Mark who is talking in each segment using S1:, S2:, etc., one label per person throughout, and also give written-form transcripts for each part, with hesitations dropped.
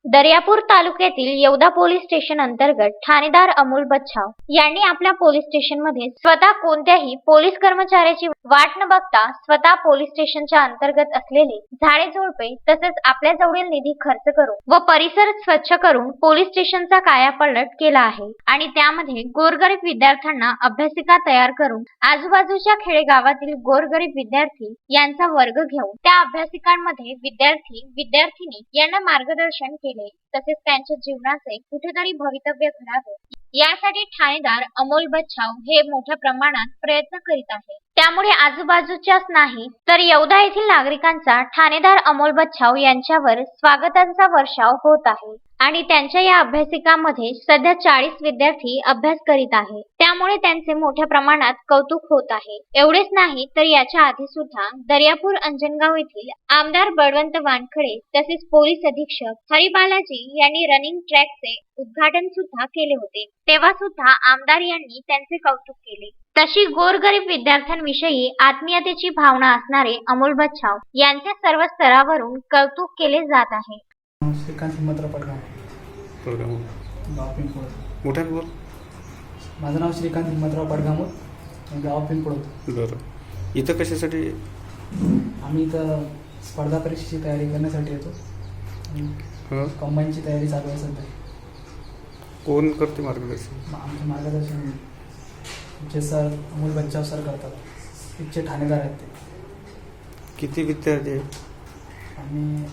S1: दर्यापूर तालुक्यातील येवदा police station अंतर्गत ठाणेदार अमोल बच्छाव यांनी आपल्या पोलीस स्टेशनमध्ये स्वतः कोणत्याही पोलीस कर्मचाऱ्याची वाट न बघता स्वतः पोलीस स्टेशनच्या अंतर्गत असलेले झाडे झुडपे तसेच आपल्या जवळील निधी खर्च करून व परिसर स्वच्छ करून पोलीस स्टेशनचा कायापालट केला आहे आणि त्यामध्ये गोरगरीब विद्यार्थ्यांना अभ्यासिका तयार करून आजूबाजूच्या खेडेगावातील गोरगरीब विद्यार्थी यांचा वर्ग घेऊन त्या अभ्यासिकांमध्ये विद्यार्थी-विद्यार्थिनी यांना मार्गदर्शन केले तसेच त्यांच्या जीवनाचे कुठेतरी भवितव्य घडावे यासाठी ठाणेदार अमोल बच्छाव हे मोठ्या प्रमाणात प्रयत्न करीत आहे। त्यामुळे आजूबाजूच्याच नाही तर येवदा येथील नागरिकांचा ठाणेदार अमोल बच्छाव यांच्यावर स्वागतांचा वर्षाव होत आहे आणि त्यांच्या या अभ्यासिकामध्ये सध्या 40 विद्यार्थी अभ्यास करीत आहे। त्यामुळे त्यांचे मोठ्या प्रमाणात कौतुक होत आहे। एवढेच नाही तर याच्या आधी सुद्धा दर्यापूर अंजनगाव येथील आमदार बळवंत वानखडे तसेच पोलीस अधीक्षक हरिबालाजी यांनी रनिंग ट्रॅकचे उद्घाटन सुद्धा केले होते। तेव्हा सुद्धा आमदार यांनी त्यांचे कौतुक केले। तशी गोरगरीब विद्यार्थ्यांविषयी आत्मीयतेची भावना असणारे अमोल बच्छाव यांच्या सर्व स्तरावरून कौतुक केले जात आहे।
S2: श्रीकांत हिम्मतराव पडगाम गाव पिंपळ
S3: मोठ्याने बोल।
S2: माझं नाव श्रीकांत हिम्मतराव पडगाम गाव पिंपळ।
S3: बरं, इथं कशासाठी?
S2: आम्ही इथं स्पर्धा परीक्षेची तयारी करण्यासाठी येतो। कंबाईनची तयारी चालू आहे सध्या।
S3: कोण करते मार्गदर्शन?
S2: आमचे मार्गदर्शन आमचे सर अमोल बच्छाव सर करतात। इथचे ठाणेदार आहेत ते।
S3: किती विद्यार्थी आहेत?
S2: आम्ही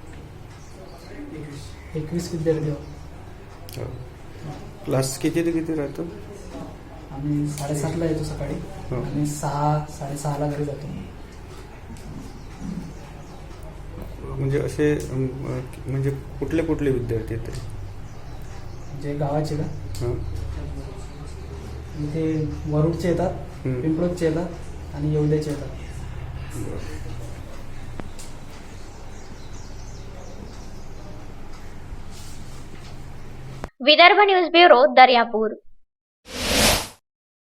S2: 21 विद्यार्थी आहोत।
S3: क्लास किती ते किती राहतो?
S2: आम्ही 7:30ला येतो सकाळी आणि 6-6:30ला घरी जातो।
S3: म्हणजे असे म्हणजे कुठले कुठले विद्यार्थी आहेत तरी?
S2: जे गावाचे का?
S3: हां,
S2: इथे वरुडचे येतात, पिंपळचे येतात आणि येवद्याचे येतात।
S1: Vidarbha news bureau Daryapur.